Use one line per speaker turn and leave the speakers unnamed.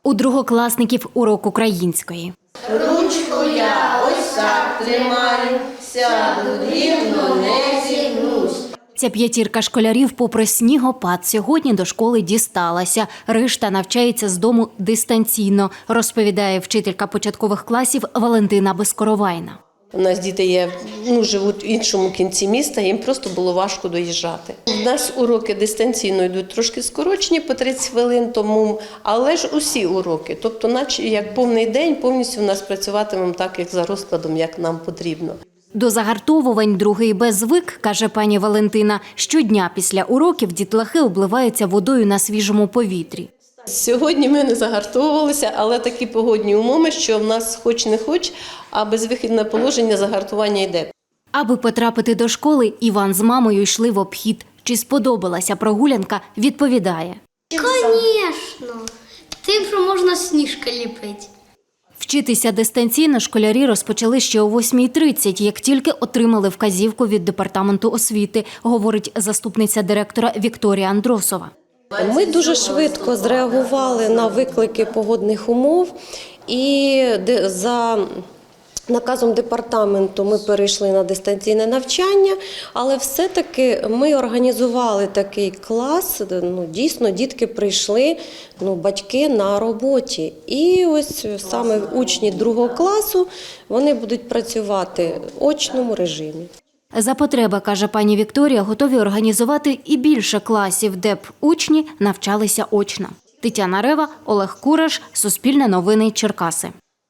У другокласників урок української.
Ручку я ось так тримаю, сяду рівно, не зігнусь.
Ця п'ятірка школярів попри снігопад сьогодні до школи дісталася. Решта навчається з дому дистанційно, розповідає вчителька початкових класів Валентина Безкоровайна.
У нас діти живуть в іншому кінці міста, їм просто було важко доїжджати. У нас уроки дистанційно йдуть трошки скорочені по 30 хвилин тому, але ж усі уроки. Тобто, наче як повний день, повністю у нас працюватимемо так, як за розкладом, як нам потрібно. До
загартовувань другий Б звик, каже пані Валентина. Щодня після уроків дітлахи обливаються водою на свіжому повітрі.
Сьогодні ми не загартовувалися, але такі погодні умови, що в нас хоч не хоч, а безвихідне положення загартування йде.
Аби потрапити до школи, Іван з мамою йшли в обхід. Чи сподобалася прогулянка, відповідає.
Звісно, тим, що можна сніжки ліпити.
Вчитися дистанційно школярі розпочали ще о 8:30, як тільки отримали вказівку від департаменту освіти, говорить заступниця директора Вікторія Андросова.
Ми дуже швидко зреагували на виклики погодних умов і за наказом департаменту ми перейшли на дистанційне навчання, але все-таки ми організували такий клас, дійсно дітки прийшли, батьки на роботі. І ось саме учні 2 класу, вони будуть працювати в очному режимі.
За потреби, каже пані Вікторія, готові організувати і більше класів, де б учні навчалися очно. Тетяна Рева, Олег Кураш, Суспільне новини, Черкаси.